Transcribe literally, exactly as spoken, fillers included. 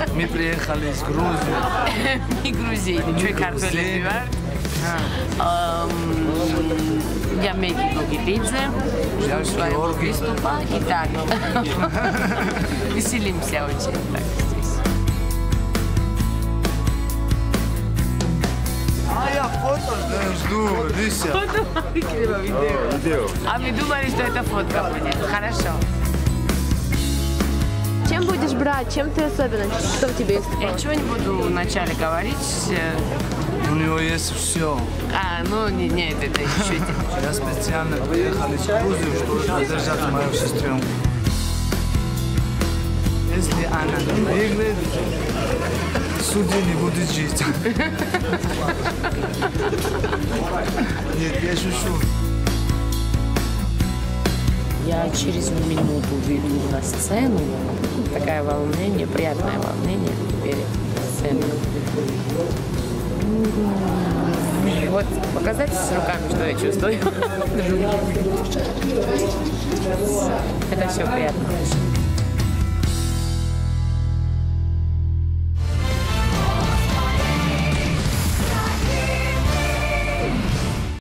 Мы приехали из Грузии. Мы грузины, что картофель Я Меги Гогипидзе, жду своего приступа и так. Веселимся очень так здесь. А я фото жду, Лися. Фото? Видео. А мы думали, что это фотка будет. Хорошо. Чем будешь брать? Чем ты особенно? Что в тебе есть? Я ничего не буду вначале говорить. У него есть все. А, ну не, нет, это еще Я специально приехал из Грузии, чтобы поддержать мою сестренку. Если она не выиграет, судья не будет жить. Нет, я шучу. Я через минуту выйду на сцену. Такое волнение, приятное волнение перед сценой. Вот показать с руками, что я чувствую. Это все приятно.